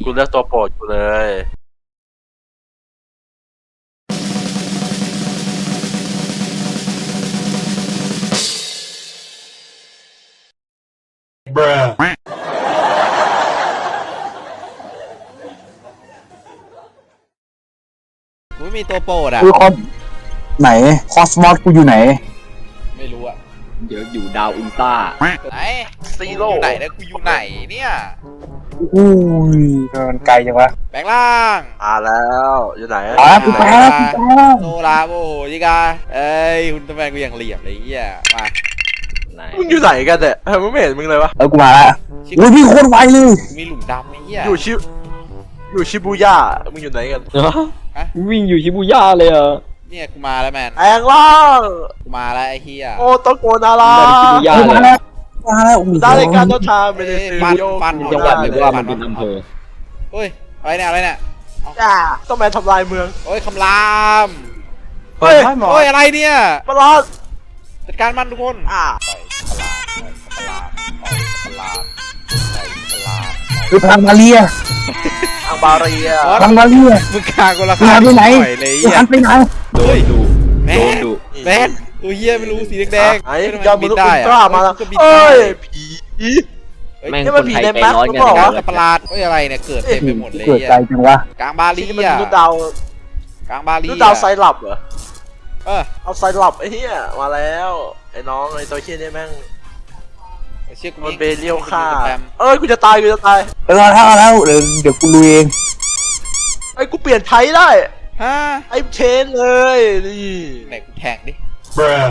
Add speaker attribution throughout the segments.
Speaker 1: กูเลือกตัวโปรดกูเลย
Speaker 2: กูไม่มีตัวโปรดอ่ะ
Speaker 3: คือไหนคอสมอสกูอยู่ไหน
Speaker 2: ไม่รู้อ่ะ
Speaker 4: เดี๋ยวอยู่ดาวอุลตร้า
Speaker 2: ไหน
Speaker 1: ซีโร่
Speaker 2: อยู่ไหนนะกูอยู่ไหนเนี่ย
Speaker 3: อุ้ยมันไกลจังวะ
Speaker 2: แปลงร่าง
Speaker 1: แล้วอยู่ไหน
Speaker 3: กูไปแล้วกูไปแล้ว
Speaker 2: โซลาโอ้โหจิกาเอ้ยคุณตะแมนกูอย่างเหลี่ยมเลยไอ้เหี้ยมา
Speaker 4: ไหน
Speaker 1: มึงอยู่ไหนกันเนี่ยมึงไม่เห็นมึงเลยวะ
Speaker 3: กูมาแล้วอุ้ยพี่โคตรไวเลย
Speaker 2: มีหลุมดำไอ้เหี้ย
Speaker 1: อยู่ชิบูย่ามึงอยู่ไหนกัน
Speaker 4: วิ่งอยู่ชิบูย่าเลยเหรอ
Speaker 2: เนี่ยกูมาแล้วแมน
Speaker 1: แองล่าง
Speaker 2: กูมาแล้วไอ้เหี้ย
Speaker 1: โอโตโกนารา
Speaker 4: เดินชิบูย่า
Speaker 3: กู
Speaker 4: เล
Speaker 3: มาย แล้วมาแล้วโอ้โห
Speaker 1: ได้การเดินทางไปใน
Speaker 2: ฟัน
Speaker 4: จังหวัดหรือว่ามันเป็นอำเภอ
Speaker 2: เฮ้ยอะไรเนี่ยอะไรเนี่ย
Speaker 1: ต้องแมนทำลายเมือง
Speaker 2: โอ้ยคำราม
Speaker 1: เฮ้ย
Speaker 2: โอ้ยอะไรเนี่ย
Speaker 1: มาลาด
Speaker 2: จัดการมันทุกคน
Speaker 1: อ่า
Speaker 3: คือพลังมาเรีย
Speaker 1: ทางบาเรีย
Speaker 3: พลังมาเรีย
Speaker 2: มึงฆ่ากูละ
Speaker 3: มึงหายไปไหน
Speaker 2: เลย
Speaker 3: มึงหันไปไหน
Speaker 4: โดนดุ
Speaker 2: แม
Speaker 4: โดน
Speaker 2: น
Speaker 4: ดุ
Speaker 2: แมนตัวเหี้ยไม่รู้สีแดง
Speaker 1: ไอ้
Speaker 2: ทำไม
Speaker 1: ยอดม
Speaker 2: บิ
Speaker 1: นุษย์
Speaker 2: ได้
Speaker 1: อุลตร้ามาแล้ว
Speaker 2: ก็บิน
Speaker 1: เอ้
Speaker 2: ได้
Speaker 1: ยผี
Speaker 4: แม่ง
Speaker 1: นี่
Speaker 4: ค
Speaker 1: มัน
Speaker 4: น
Speaker 1: ผี
Speaker 4: ไทย
Speaker 1: ใน
Speaker 4: ใจ
Speaker 1: แมป
Speaker 4: ร้อนกัน
Speaker 1: หรือเปล่า
Speaker 4: ทั้ง
Speaker 1: วะ
Speaker 4: นั้น
Speaker 2: สัตว์ประหลาดเฮ้ยอะไรเนี่ยเกิดเต็มไปหมดเลย
Speaker 3: เกิดไกลจังวะ
Speaker 2: กลางบาลี
Speaker 1: ที่มัน
Speaker 2: อ่ะ
Speaker 1: มนุษย์ดาว
Speaker 2: กลางบาลี
Speaker 1: มนุษย์ดาวไซรัปเหรอ
Speaker 2: เออ
Speaker 1: เอาไซรัปไอ้เหี้ยมาแล้วไอ้น้องไอ้ตัวเชี่ยนี่แม่ง
Speaker 2: เชื่อกู
Speaker 1: มันเบเรียวฆ่า
Speaker 2: แปม
Speaker 1: เอ้ยกูจะตายเดี๋ยวกูลุยเองไอ้กูเปลี่ยนไทยได้
Speaker 2: ฮะ
Speaker 1: ไอ้เชนเลยนี่
Speaker 2: ไหนกูแทงดิ
Speaker 1: เออ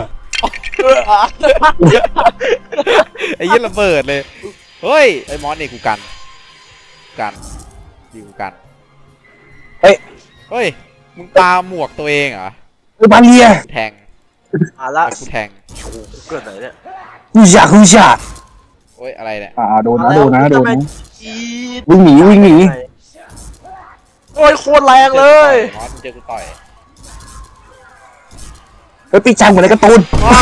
Speaker 2: ไอ้ยี่ระเบิดเลยเฮ้ยไอ้มอสเนี่ยกูกันดีกูกันเฮ้ยมึงปาหมวกตัวเองเหรอ
Speaker 3: คือมาเรีย
Speaker 2: แทง
Speaker 1: ละ
Speaker 2: กูแทง
Speaker 1: กูเกิดไหนเนี่ย
Speaker 3: กูอยาก
Speaker 2: โอ้ยอะไรเนี่ย
Speaker 3: โดนนะโดนนะโดนนะ
Speaker 1: อีด
Speaker 3: วิ่งหนี
Speaker 1: โอ้ยโคตรแรงเลย
Speaker 2: มอสมึงเจอกูต่อย
Speaker 3: เฮ้ยปีจังเหมือนในการ์ตูน
Speaker 2: ว้า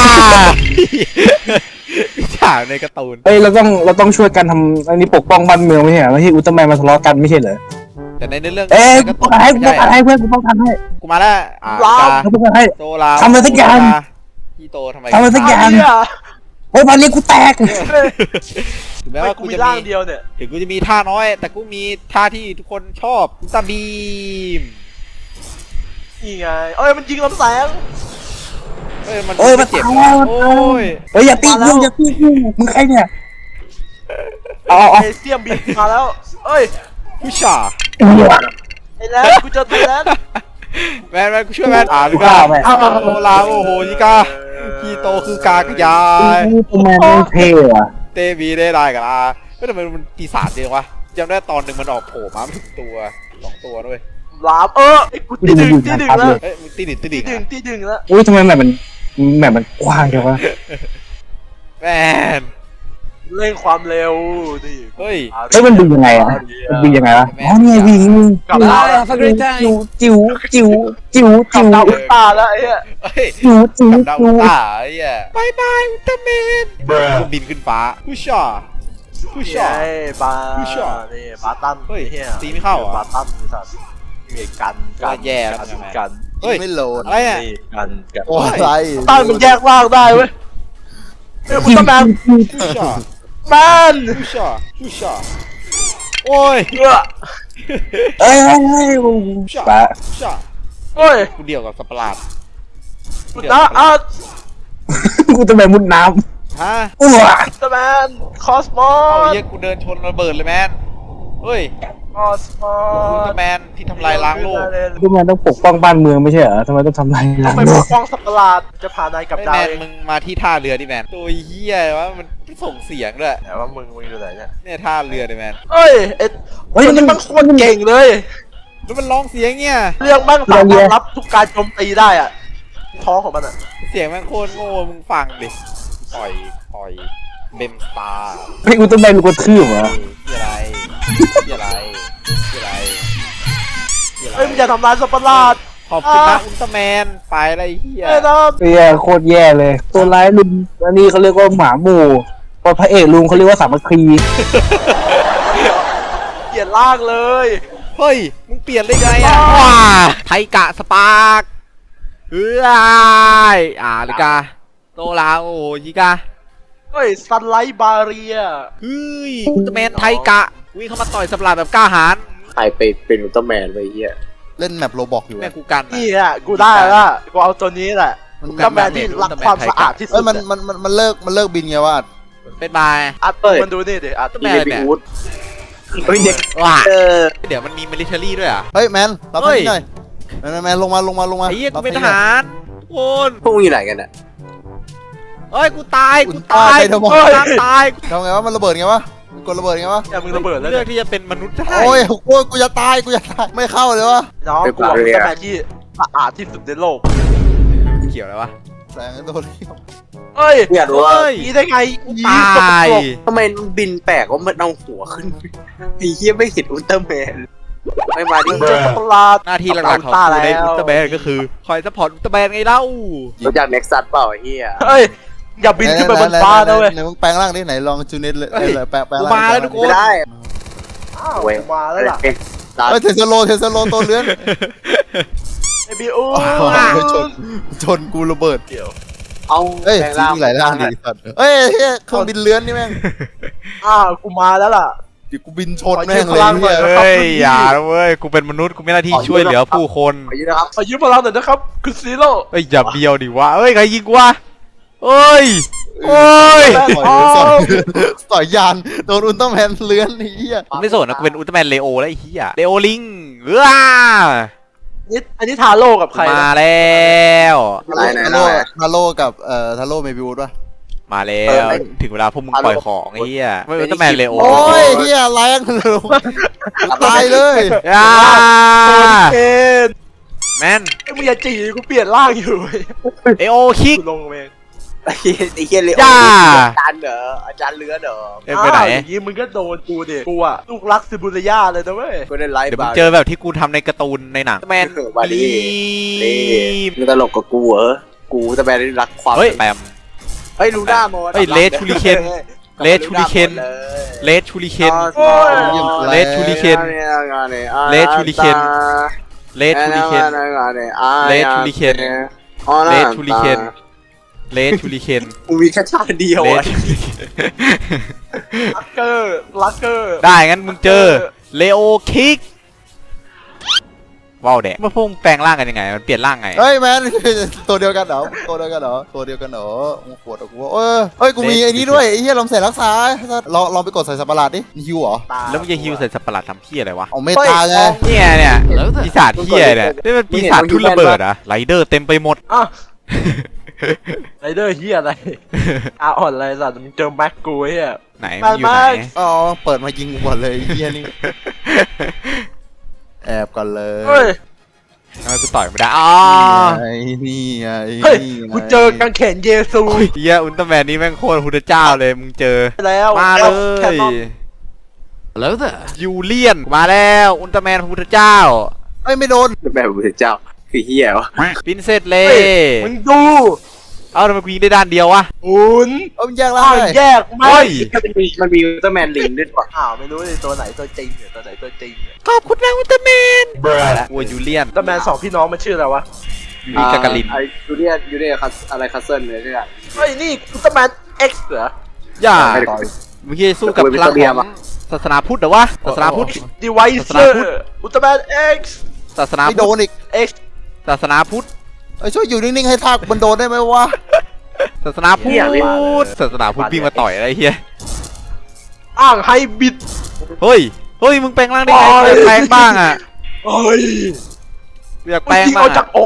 Speaker 2: พี่ฉากในการ์ตูน
Speaker 3: เฮ้ยเราต้องช่วยกันทำอันนี้ปกป้องบ้านเมืองไม่ใช่เหรอไม่ใช่อุลตร้าแมนมาทะเลาะกันไม่ใช่เหรอ
Speaker 2: แต่ในเรื่อง
Speaker 3: เอ้ย
Speaker 2: ใน
Speaker 3: กู
Speaker 2: การ์
Speaker 3: ป้
Speaker 2: ตู
Speaker 3: อง
Speaker 2: น
Speaker 3: กันให้เพื่อนกูป้องกันให้
Speaker 2: กูมาแล้ว
Speaker 3: กูป้องกันให้
Speaker 2: โซลา
Speaker 3: ทำอะไรสักอย่าง
Speaker 2: พี่โตทำไม
Speaker 3: ทำอะไรสักอย่าง
Speaker 1: เนี่ย
Speaker 3: เฮ้ยมาเรียกูแตก
Speaker 2: ถึงแม้
Speaker 1: ไม่
Speaker 2: ว่า
Speaker 1: กู
Speaker 2: กู
Speaker 1: มี
Speaker 2: จะ
Speaker 1: ร่าง
Speaker 2: มี
Speaker 1: เดียวเนี่ย
Speaker 2: ถึงกูจะมีท่าน้อย แต่กูมีท่าที่ทุกคนชอบอุลตร้าบีม
Speaker 1: นี่ไงเอ้ยมันยิงลำแสง
Speaker 2: เอ้ยมัน
Speaker 3: เอ้ยมา
Speaker 2: เจ็บ
Speaker 3: ตาย
Speaker 2: นะ
Speaker 3: แล้ว
Speaker 2: โอ้ย
Speaker 3: เฮ้ยอย่าตีกูมึงใครเนี่ยเอา
Speaker 1: เอเซียมบินมาแล้วเอ้ย
Speaker 2: ผู้ชา
Speaker 1: ไอ้แลนกูเจอไทยแลนด์
Speaker 2: แมนกูช่วยแมนลูกาโซลาโอ้โหยิกาพี่โตคือกากระยาย
Speaker 3: ตัวแมนไม่เท่อะ
Speaker 2: เตบีได้กันละเฮ้ยทำไมมันปีศาจเดียววะจำได้ตอนหนึ่งมันออกโผล่มาไม่ถึงตัว2 ตัวด้วย
Speaker 1: ลามไอ้กูตีดึงแล้ว
Speaker 2: เฮ้ยมึงตีดิน
Speaker 1: ตีดึงแล้ว
Speaker 3: อุ้ยทำไมแบบมันกว้างจังวะ
Speaker 2: แมน
Speaker 1: เร่งความเร็วดิ
Speaker 2: เฮ้ย
Speaker 3: เฮ้ยมันดึงยังไงอะมันดึงยังไงวะอ๋อเนี่ยวิ่งมึง
Speaker 1: กลับมา
Speaker 3: จิ๋ว
Speaker 1: ขับดาวอุลตร้าแล้วไอ้เหี้ย
Speaker 2: เฮ้ย
Speaker 3: จิ๋ว
Speaker 2: กับดาวอุลตร้าไอ้เหี้ยบายบายอุลตร้าแมนกูบินขึ้นฟ้าผู้ชา
Speaker 1: ไอ้บานี่บาตัน
Speaker 2: เฮ้ย
Speaker 1: เฮีย
Speaker 2: ตีไม่เข้าเหรอ
Speaker 1: บาตันไอ้สัตว์มีกัน
Speaker 2: แย่แล้ว
Speaker 1: กัน
Speaker 2: เฮ้ย
Speaker 1: ไม่โหลด
Speaker 2: อะไรเนี่ย
Speaker 1: นี่กัน
Speaker 4: โอ้ยไร
Speaker 1: ตั้งมันแยกร่างได้เว้ยเฮ้ยอุลตร้าแมน
Speaker 2: ผู้ชา
Speaker 1: แมน
Speaker 2: ผู้ชาโอ้ย
Speaker 3: เอ้ยปะ
Speaker 2: ผู้ชา
Speaker 1: โอ้ย
Speaker 2: กูเดียวกับสัตว์ประหลาด
Speaker 1: อุลตร้าอาร์ต
Speaker 3: กูจะไปมุดน้
Speaker 2: ฮะ
Speaker 3: ำอ้ว
Speaker 1: อุลตร้าแมนคอสมอ
Speaker 2: เอา
Speaker 1: ส
Speaker 2: เหี้ยกูเดินชนระเบิดเลยแมนเฮ้ย
Speaker 1: คอสมอ
Speaker 2: อุลต
Speaker 1: ส
Speaker 2: ร้าแมนที่ทำลายล้างโลก
Speaker 3: กูแมนต้องปกป้องบ้านเมืองไม่ใช่เหรอทำไมต้องทำลายล้าง
Speaker 1: ไป
Speaker 3: โล
Speaker 1: ป
Speaker 3: ก
Speaker 1: กป้องสัตว์ประหลาดจะพานายกับ
Speaker 2: ไอ้
Speaker 1: ดา
Speaker 2: แม
Speaker 1: วน เอง
Speaker 2: มึงมาที่ท่าเรือดิแมนตัวเหี้ยว่ามันส่งเสียงด้วย
Speaker 1: แต่ว่ามึงอยู่ไหนเนี่ย
Speaker 2: เนี่ยท่าเรือดิแมน
Speaker 1: เอ้ยไอ้ตัวนี้มันโคตรเก่งเลย
Speaker 2: แล้วมันร้องเสียงเนี่ย
Speaker 1: เรื่องแม่งสามารถรับทุกการโจมตีได้อะท้องของมันอะ
Speaker 2: เสียงแม่งโคตรโง่มึงฟังดิปล่อยเบมสตาร์
Speaker 3: ให้กูต้องไปกูกระทืบเหรอ
Speaker 2: ที่อะไรที่อะไรที่อะไรที่อะไร
Speaker 1: เอ้ยมึงอย่าทำร้ายสัตว์ประหลาด
Speaker 2: ขอบคุณนะอุลตร้าแมนไปอะไรเหี้ย
Speaker 1: เอ้ยนะ
Speaker 3: เฮียโคตรแย่เลย ตัวร้ายลุงอันนี้เขาเรียกว่าหมาหมู่พอพระเอกลุงเขาเรียกว่าสามัคคี
Speaker 1: ยลี่ยนร่างเลย
Speaker 2: เฮ้ยมึงเปลี่ยนได้ไงอ่ะว้าไทกะสปาร์กลิกาโตลาโอยิกา
Speaker 1: เฮ้ยซันไลท์บาเรีย
Speaker 2: เฮ้ยอุลตร้าแมนไทกะวิ่งเข้ามาต่อยสับหลาดแบบกล้าหาญ
Speaker 4: ใครเป็นอุลตร้าแมนไปเฮีย
Speaker 5: เล่นแมปโรบอกอยู่
Speaker 2: แม่กูกัน
Speaker 1: นี่แหละกูได้ละกูเอาตัวนี้แหละอุลตร้าแมนที่รักความสะอาดที่สุ
Speaker 5: เอ้
Speaker 1: ด
Speaker 5: ยมันเลิกบินไงวะ
Speaker 2: เป็นบาย
Speaker 1: อัดมันดูนี่ดิอัด
Speaker 2: อุลตร้าแมนเนี่ย
Speaker 4: เฮ้ยเด็ก
Speaker 2: ว้าเดี๋ยวมันมีมิลิเทอรี่ด้วยอ่ะ
Speaker 5: เฮ้ยแมนรับพี่หน่อยแมนลงมา
Speaker 2: ไอ้เหี้ยกูเป็นทหารโอน
Speaker 4: พวกมึงอยู่ไหนกันอ่ะ
Speaker 2: เอ้ยกูตาย
Speaker 5: ตาย
Speaker 2: ตาย
Speaker 5: ทำไงวะมันระเบิดไงวะกดระเบิดไงวะ
Speaker 1: อย่ามึงระเบิดแล้ว
Speaker 2: เลือกที่จะเป็นมนุษย์ได้
Speaker 5: โอ้ยกูจะตายไม่เข้าเลยวะ
Speaker 1: น้องกูเอาอุลตร้าแมนที่สะอาดที่สุดในโลก
Speaker 2: เกี่ยวอะไรวะ
Speaker 5: แสงโดน
Speaker 1: เอ้ย
Speaker 4: อยากรู้ว่า
Speaker 1: นี่ได้ไง
Speaker 2: ตาย
Speaker 4: ทำไมมันบินแปลกว่ามันเอาหัวขึ้นไอ้เฮียไม่เห็นอุลตร้าแมนไม่มาดิ
Speaker 1: เจอช็อกโกแลต
Speaker 2: หน้าที่หลักๆของกูในอุลตร้าแมนก็คือคอยซัพพอร์ตอุลตร้าแมนไงเล่า
Speaker 4: รู้จักเน็กซัสเปล่าไอ้เฮีย
Speaker 1: เฮ้ยอย่าบินขึ้นไปบนฟ้านะเว้ย
Speaker 5: ไหนมึงแปลงร่างดิไหนลองจูเน็ตเลยแปลง
Speaker 2: กู
Speaker 5: ร่าง
Speaker 2: มาแล้วทุกคน
Speaker 4: ไม่ได้
Speaker 1: อ้าวมาแล้วล่ะ
Speaker 4: เป็นตา
Speaker 5: เฮ้ยเทสโลตัวเลื้อน
Speaker 1: ไอบิว
Speaker 5: ชนกูระเบิด
Speaker 4: เอา
Speaker 5: เฮ้ยจริงหลายร่างดิสัตว์เฮ้ยเครื่องบินเลื้อนนี่แม่ง
Speaker 1: อ้าวกูมาแล้วล่ะ
Speaker 5: เดี๋ยวกูบินชนแม่งเลย
Speaker 2: เฮ้ยอย่าเว้ยกูเป็นมนุษย์กูมีหน้าที่ช่วยเหลือผู้คน
Speaker 4: ขอยืนนะครับ
Speaker 1: ขอยืมพลังหน่อยนะครับคุณซีโร่
Speaker 2: เฮ้ยอย่าเบียวดิวะเอ้ยใครยิงกูวะเอ้ยโอ้ย
Speaker 5: ต่อยยานโดนอุลตร้าแมนเลื้อนนี่เหี้ย
Speaker 2: กูไม่สนนะกูเป็นอุลตร้าแมนเลโอแล้วไอ้เหี้ยเลโอลิง
Speaker 1: นี่อันนี้ทาโร่กับใคร
Speaker 2: มาแล้ว
Speaker 4: อะไรไหน
Speaker 5: ทาโร่กับทาโร่เมบิวด้วย
Speaker 2: มาแล้วถึงเวลาพวกมึงปล่อยของไอ้เหี้ยไม่อุลตร้าแมนเลโอ
Speaker 5: โอ้ยเหี้ยแรงเลยตายเลย
Speaker 1: เคน
Speaker 2: แมน
Speaker 1: ไอ้มึงอย่าจีกูเปลี่ยนร่างอยู่
Speaker 2: เอโอคิก
Speaker 1: กูลงเอง
Speaker 4: ไอ้เฮียเลย
Speaker 2: ย่า
Speaker 4: อาจารย์เหรออาจารย์เลือเหรอ
Speaker 2: เอ้ยไปไหน
Speaker 1: อย่างงี้มึงก็โดนกูดิกูอะลูกรักซิบูริยาเลยนะเว้ย
Speaker 4: กูได้ไลฟ์
Speaker 2: เดี๋ยวมึงเจอแบบที่กูทำในการ์ตูนในหนังแมน
Speaker 4: บาลี
Speaker 2: ลีม
Speaker 4: มึงตลกกับกูเหรอกูแต่แมนรักความ
Speaker 2: เฮ้ยแปม
Speaker 4: เฮ้ยลูน่าโม
Speaker 2: เฮ้ยเลสชูริเคน เลสชูริเคนเลสชูริเคน เลสชูริเคน เลสชูริเคน เลสชูริเคน เลสชูริเคน เลสชูริเคน เลสชูริเคน
Speaker 4: กูมีแค่ชาติเดียว
Speaker 2: เลส
Speaker 4: อ่ะ
Speaker 2: ชูริเคน
Speaker 1: ลักเกอร์
Speaker 2: ได้งั้นมึงเจอเลโอคิกว้าวแดะเมื่อพวกมึงแปลงร่างกันยังไงมันเปลี่ยนร่างไง
Speaker 5: เฮ้ยแมนตัวเดียวกันเหรอตัวเดียวกันเหรอมึงปวดกูเฮ้ยกูมีไอ้นี้ด้วยไอ้เหี้ยลมเสร็จรักษาลองไปกดใส่สับปะรดดิฮิวเหรอ
Speaker 2: แล้วมึงจะฮิวใส่สัตว์ประหลาดทำเพี้ยอะไรวะ
Speaker 5: เอาเมตาไง
Speaker 2: เนี่ยปีศาจเพี้ยเนี่ยนี่มันปีศาจทุ่นระเบิดอะไรเดอร์เต็มไปหมด
Speaker 1: อ่ะไรเดอร์เฮียอะไรอ่อนอะไรสัตว์มึงเจอแม็กกูเฮีย
Speaker 2: ไหนมึงอยู่ไหน
Speaker 5: อ๋อเปิดมายิงกูก่อนเลยไอ้เหี้ยนี่แอบก่อนเลย
Speaker 1: เฮ้ย
Speaker 2: ทำไมกูต่อยไม่ได้อ๋อ
Speaker 5: นี่ไง
Speaker 1: เฮ้ยกูเจอกางเขนเยซู
Speaker 2: เฮียอุลตร้าแมนนี่แม่งโคตรพุทธเจ้าเลยมึงเจอ
Speaker 1: แล้ว
Speaker 2: มาเล
Speaker 1: แคน
Speaker 2: ย
Speaker 1: นอน
Speaker 2: แล้วแต่ยูเลียนมาแล้วอุลตร้าแมนพุทธเจ้า
Speaker 5: เฮ้ยไม่โดน
Speaker 4: แบบพระเจ้าคือเฮียวะ
Speaker 2: ปินเซตเล
Speaker 1: เฮ้ยมึงดู
Speaker 2: เอ้าทำไมกูยิงได้ด้านเดียววะ
Speaker 1: อุ่น
Speaker 5: เอามันแยกล่า
Speaker 1: อ้าง ว
Speaker 5: เลย
Speaker 1: แยกไม่
Speaker 2: เฮ้ย
Speaker 4: มันมีอุลตร้าแมนลิงด้วยว่ะ
Speaker 1: อ้าวไม่รู้เลยตัวไหนตัวจริงเนี่ยตัวไหนตัวจริงเนี่ย
Speaker 2: ขอบคุณนะอุลตร้าแมนโอ้ยยูเลียน
Speaker 1: แต่แมนสองพี่น้องมันชื่ออะไรวะ
Speaker 2: ยูริกากาลิน
Speaker 4: ไอยูเนียอะไรคัสเซิลเลยเนี่ย
Speaker 1: เฮ้ยนี่อุลตร้าแมนเอ็กซ์เหรอย่
Speaker 2: าเมื่อกี้สู้กับพลังของศาสนาพุทธเหรอวะศาสนาพุทธ
Speaker 1: ดีไวเซอร์อุลตร้าแมนเอ็กซ์
Speaker 2: ศาสนา
Speaker 5: ไม่โด
Speaker 2: พุทธ
Speaker 5: นอีก
Speaker 1: เอ็กซ์
Speaker 2: ศาสนาพุทธ
Speaker 5: ช่วยอยู่นิ่งๆให้ท่ามันโดนได้ไหมวะ
Speaker 2: ศาสนาพุทธศาสนาพุทธวิ่งมาต่อยอะไรเฮีย
Speaker 1: อ้างไฮบิด
Speaker 2: เฮ้ยมึงแปลงร่างได้ไง
Speaker 1: โอ้ย
Speaker 2: แปลงบ้างอ่ะ
Speaker 1: เฮ้ย
Speaker 2: อยาก
Speaker 1: มึ
Speaker 2: แปล
Speaker 1: ง
Speaker 2: ง
Speaker 1: ยิง
Speaker 2: บ้า
Speaker 1: เอา
Speaker 2: ง
Speaker 1: จากอก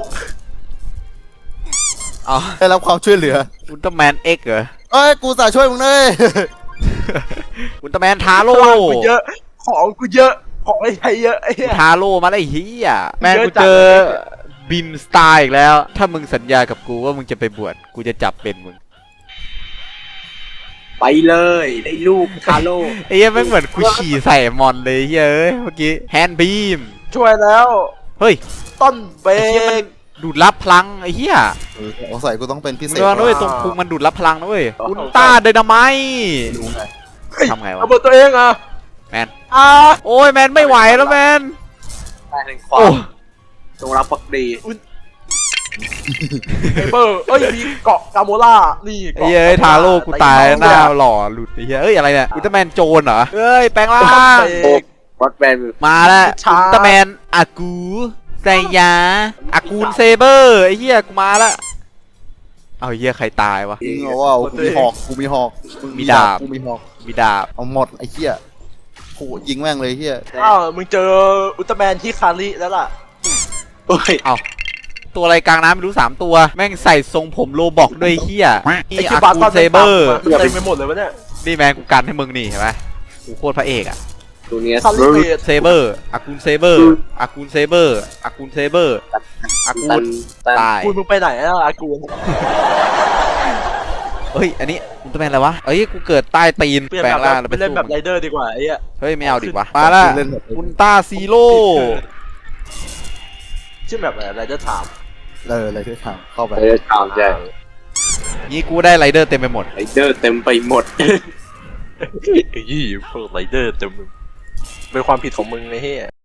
Speaker 2: อ๋อ
Speaker 5: ได้รับความช่วยเหลือ
Speaker 2: อุลตร้าแมนเอ็กเหรอ
Speaker 5: เอ้ยกูสาช่วยมึงเลย
Speaker 2: อุลตร้าแมนทาโร่
Speaker 1: ของกูเยอะของกูเยอะของไอ้ไทยเยอะไอ้เหี้ย
Speaker 2: ทาโร่มาได้เฮียแมน
Speaker 1: เยอะ
Speaker 2: กู
Speaker 1: จัด
Speaker 2: เจอบินสไตล์อีกแล้ว ถ้ามึงสัญญากับกูว่ามึงจะไปบวชกูจะจับเป็นมึง
Speaker 4: ไปเลยได้ลูกทาโร่
Speaker 2: ไอ้เหี้ยแม่งเหมือนกูฉี่ใส่มอนเลยเฮ้ยเมื่อกี้แฮนด์บีม
Speaker 1: ช่วยแล้ว
Speaker 2: เฮ้ย
Speaker 1: ต้นเบ
Speaker 2: ไอ้เหี้ยมัน
Speaker 1: ก
Speaker 2: ดูดรับพลังไอ้เหี้ย
Speaker 5: สงสัยกูต้องเป็นพิเศ
Speaker 2: มึ
Speaker 5: ษ
Speaker 2: งระวังด้วยตรงพุงมันดูดรับพลังนะเว้ยอุลตร้าไดนาไมต์
Speaker 5: รู้ไง
Speaker 2: ทำไงวะ
Speaker 1: ระเบิดตัวเองอ่ะ
Speaker 2: แมนโอ้ยแมนไม่ไหวแล้วแมน
Speaker 4: ได้ถึงความ
Speaker 2: โอ้
Speaker 4: จงรักภักดี
Speaker 1: ไอ้เบอร์เอ้ยมีเกาะกาโมล่านี่
Speaker 2: ไอ้เหี้ยทาโร่กูตายหน้าหล่อหลุดไอ้เหี้ยเอ้ยอะไรเนี่ยอุลตร้าแมนโจรเหรอเอ้ยแปลงร่าง
Speaker 4: รถแบน
Speaker 2: มาแล้วอุลตร้าแมนอากูไซยาอากูนเซเบอร์ไอ้เหี้ยกูมาแล้วเอาเหี้ยใครตายวะ
Speaker 5: จริงเหรอว่ากูมีหอกกูมีหอก
Speaker 2: มีดาบ
Speaker 5: กูมีหอก
Speaker 2: มีดาบ
Speaker 5: เอาหมดไอ้เหี้ยโหยิงแม่งเลยเหี้ย
Speaker 1: อ้าวมึงเจออุลตร้าแมนที่คาริแล้วล่ะ
Speaker 4: โอ้ย
Speaker 2: ตัวอะไรกลางน้ำไม่รู้3ตัวแม่งใส่ทรงผมโลบอกด้วยเหี้ย
Speaker 1: ไอ้
Speaker 2: นี่
Speaker 1: ที่
Speaker 2: อา
Speaker 1: บาร์
Speaker 2: กู
Speaker 1: ตอน
Speaker 2: นเซเบอร์
Speaker 1: เต็มไปหมดเลยวะเนี่ย
Speaker 2: นี่แมนกูกันให้มึงนี่เห็นไหมกูโคตรพระเอกอะ
Speaker 4: ตัวเนี้ย
Speaker 1: คาริเบต
Speaker 2: เซเบอร์อากูนเซเบอร์อากูนเซเบอร์อากูนเซเบอร์อากู
Speaker 4: ตั
Speaker 2: น
Speaker 4: นตัน
Speaker 2: ตาย
Speaker 1: กูมึงไปไหนอ่ะอากูน
Speaker 2: เฮ้ยอันนี้อุลตร้าแมนอะไรวะเอ้ยกูเกิดใต้ตีน
Speaker 1: เปลี่ยน
Speaker 2: แปล
Speaker 1: แบ
Speaker 2: ง
Speaker 1: บ
Speaker 2: ร่างแล้ว
Speaker 1: ไป
Speaker 2: ไป
Speaker 1: เล่น
Speaker 2: สู้
Speaker 1: แบบไรเดอร์ดีกว่าไอ้เหี้ย
Speaker 2: เฮ้ยไม่เอาดิวะมาละ
Speaker 5: เล่นแบบ
Speaker 2: อุลตร้าซีโร่
Speaker 1: ชื่อแบบอะไรไรเดอร์ถาม
Speaker 5: อะไรที่ทางเข้าไป
Speaker 4: เออถามใจ
Speaker 2: นี่กูได้ไรเดอร์เต็มไปหมด
Speaker 4: ไรเดอร์เต็มไปหมด
Speaker 1: ไอ้ยี่พวกไรเดอร์เต็มเป็นความผิดของมึงไอ้เหี้ย